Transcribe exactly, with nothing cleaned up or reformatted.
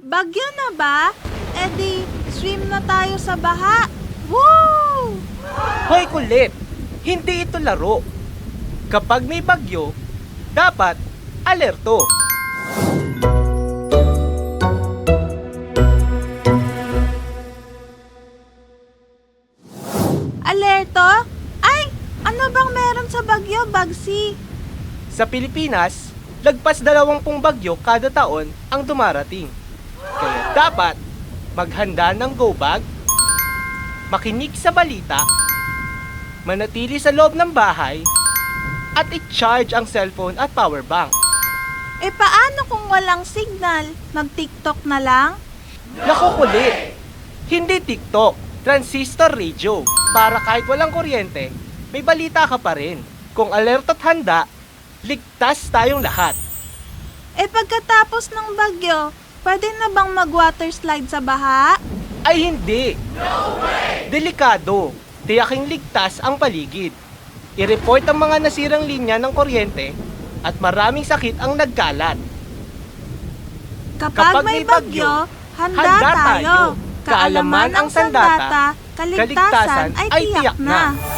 Bagyo na ba? E di, swim na tayo sa baha. Woo! Hoy kulit! Hindi ito laro. Kapag may bagyo, dapat alerto. Alerto? Ay, ano bang meron sa bagyo, Bagsi? Sa Pilipinas, lagpas dalawampung bagyo kada taon ang dumarating. Kaya dapat maghanda ng go bag, makinig sa balita, manatili sa loob ng bahay, at i-charge ang cellphone at power bank. E paano kung walang signal? Mag-TikTok na lang? Naku kulit! Hindi TikTok, transistor radio. Para kahit walang kuryente, may balita ka pa rin. Kung alerto at handa, ligtas tayong lahat. E pagkatapos ng bagyo, pwede na bang mag-water slide sa baha? Ay hindi! No way! Delikado. Tiyaking ligtas ang paligid. I-report ang mga nasirang linya ng kuryente at maraming sakit ang nagkalat. Kapag, Kapag may may bagyo, bagyo, handa, handa tayo. tayo. Kaalaman ang sandata, kaligtasan ay tiyak na.